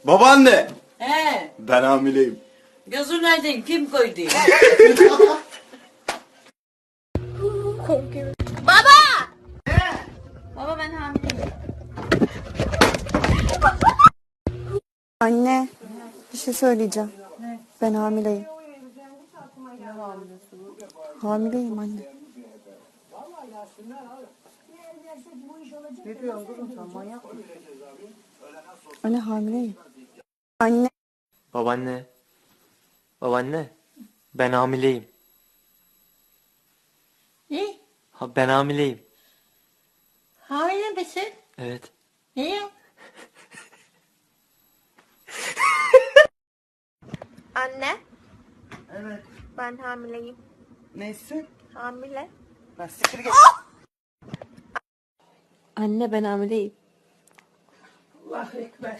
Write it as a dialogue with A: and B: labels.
A: Babaanne,
B: He,
A: ben hamileyim.
B: gözün aydın kim koydu?
C: Baba ben hamileyim.
D: Anne, bir şey söyleyeceğim. Ben hamileyim. Hamileyim anne.
B: Ne diyorsun kızım sen manyak mısın?
D: Anne hamileyim. Anne,
E: Babaanne. Babaanne. Ben hamileyim.
B: Ne?
E: Ha, ben hamileyim.
B: Hamile misin?
E: Evet.
B: Niye?
C: Anne
B: Evet.
C: ben hamileyim.
B: Nesin?
C: Hamile.
B: Ben siktir git.
D: anne ben hamileyim.
B: Allahu Ekber.